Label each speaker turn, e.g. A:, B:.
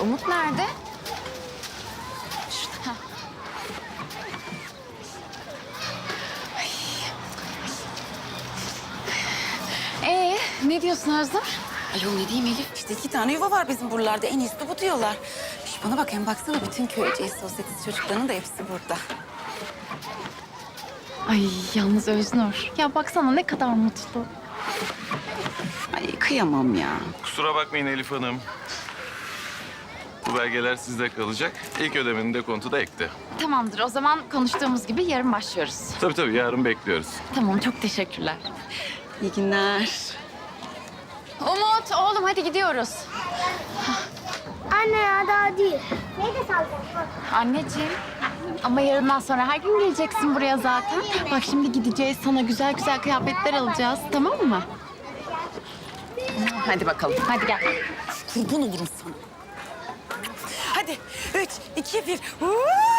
A: Umut nerede? Şurada. Ne diyorsun Özlem?
B: Ayol ne diyeyim Elif? İşte 2 tane yuva var bizim buralarda. En iyisi de bu diyorlar. Şş, bana bak hem baksana bütün köyceğiz sosyetesi çocuklarının da hepsi burada.
A: Ay yalnız Öznur. Ya baksana ne kadar mutlu.
B: Ay kıyamam ya.
C: Kusura bakmayın Elif Hanım. Bu belgeler sizde kalacak. İlk ödemenin dekontu da ekti.
A: Tamamdır o zaman konuştuğumuz gibi yarın başlıyoruz.
C: Tabii yarın bekliyoruz.
A: Tamam çok teşekkürler.
B: İyi günler.
A: Umut oğlum hadi gidiyoruz.
D: Anne ya daha değil. Neyi de salacağım?
A: Anneciğim ama yarından sonra her gün geleceksin buraya zaten. Bak şimdi gideceğiz sana güzel güzel kıyafetler alacağız tamam mı? Hadi bakalım hadi gel.
B: Kurban olurum sana. Hadi 3, 2, 1.